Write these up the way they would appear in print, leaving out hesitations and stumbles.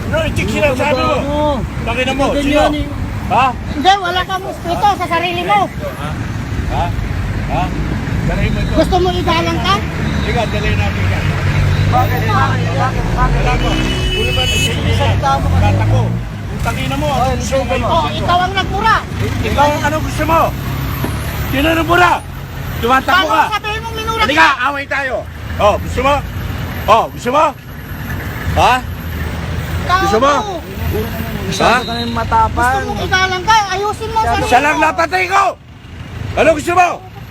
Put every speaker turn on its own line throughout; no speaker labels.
No, itik sila, sabi mo. Pakina mo, sino? Ha?
Hindi, wala kang ito sa sarili mo.
Ha? Ha? Dalhin mo ito.
Gusto mo igalang ka?
Ika, dalhin natin yan.
Bakit?
Wala ko. Puro ba na kata ko. Ang tangina mo, ano gusto mo kayo?
Oh, ikaw ang nagmura.
Ikaw, ano gusto mo? Sino ang mura? Tumatakbo
Paano
ka.
sabihin mong minura
Halika, away tayo. Oh, gusto mo? Oh, gusto mo? Ha? Gusto mo?
Masyado ka nang matapang.
Gusto mong igalang ka? Ayusin mo ang sarili
Siya lang napatay ko! Ano gusto mo?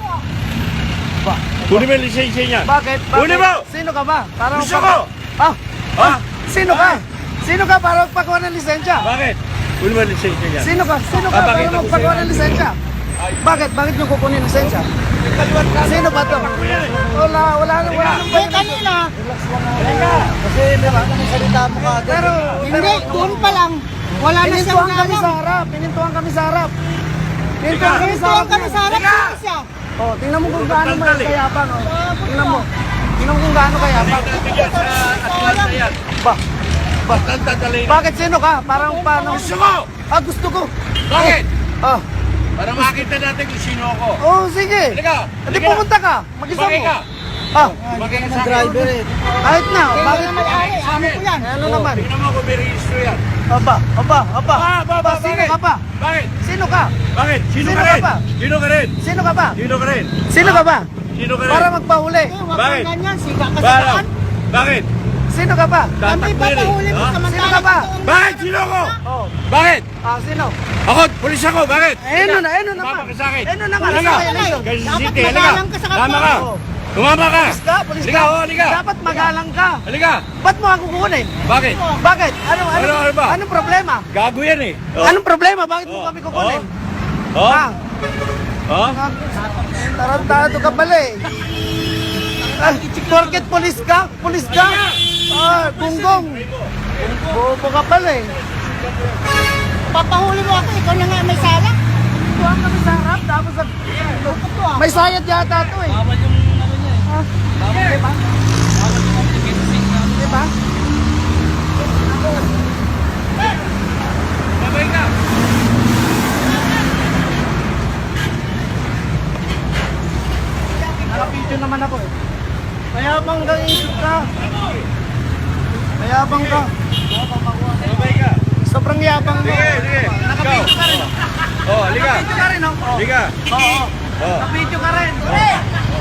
Kunin mo yung lisensya niya.
Bakit?
Kunin mo!
Sino ka ba? Para
Gusto mo?
Ah,
Ha?
sino ka? Sino ka para magpakuha ng lisensya?
Bakit? Kunin mo yung lisensya niya.
Sino ka? Sino ka
Bakit?
para magpakuha ng lisensya? Bakit? Bakit nyo kukunin ng lisensya? Sino ba to? Wala nang
Eh, kanina,
Kasi di ba? Salita mo ka. Pero
hindi, doon pa lang. Wala na siyang
pinintuan kami sa
galang.
harap. Pinintuan kami sa harap. Pinintuan kami sa
Ito
harap.
kami sa harap
Teka!
sino siya.
Oh, tingnan mo kung gaano
Tanggal eh.
kayapang. Oh. Tingnan mo. Tingnan mo kung gaano kayapang.
Natigyan sa Atlanta yan.
Ba?
Atlanta dalhin.
Bakit sino ka? Parang paano?
Gusto mo?
Ah, gusto ko.
Bakit?
Ah.
Para makita natin kung sino ako.
Oh, sige.
Halika.
Hindi pumunta ka. Mag-isa
Bakit
mo.
ka?
Ah.
Bakit ka sa akin?
Kahit na.
Kaya
Bakit?
na may-ari, amo ko yan.
Ano naman?
Tingnan mo kung may registro yan.
Aba. Sino
bakit?
ka ba?
Bakit?
Sino ka?
Bakit? Sino
Sino
ka
ka
rin?
ba?
Sino ka rin?
Sino ka ba?
Sino ka rin?
Sino ka ba?
Sino ka rin?
Para magpahuli.
Eh, huwag
Bakit?
kang ganyan, siga ka sa
Bakit?
daan.
Bakit?
Sino ka ba?
Kami
Tatakbo
ba
yan eh.
pahuli mo
Ha?
sa
Sino ka ba?
Bakit? Sino ako?
Oh.
Bakit?
Ah, sino?
Ako, pulis ako. Bakit?
Ano naman?
Tumama ka sa akin.
Ano naman?
Halika.
Violation.
Kasi
Dapat
city, halika.
magalang ka sa kapwa.
Tama ka.
Oh.
Tumama ka.
Pulis ka? Pulis
Halika,
ka?
oh, halika.
Dapat magalang ka.
Halika.
Ba't mo ako kukunin?
Bakit?
Bakit? Ano
Ano ba?
Anong problema?
Gago yan eh. Oh.
Anong problema? Bakit mo
Oh.
kami kukunin?
Oh?
Ah,
Oh?
tarantado ka pala eh. Ah, porket pulis ka? Pulis ka? Ah, bunggong. Bobo ka pala eh.
Papahuli mo ako, ikaw na nga may sala.
Tuwang kami sa harap, tapos may sayad yata to eh. Bawal yung ano niya eh. Ah, bawal, diba? Bawal yung diba?
Babay ka.
Naka-video naman ako eh. Mayabang kang isip ka. Mayabang ka.
Babay ka.
Sobrang yabang mo.
Sige, sige.
Naka-video ka rin.
Oh, halika.
Naka-video ka rin, oh.
Halika.
Oo.
Oh.
Naka-video ka rin.
Oh.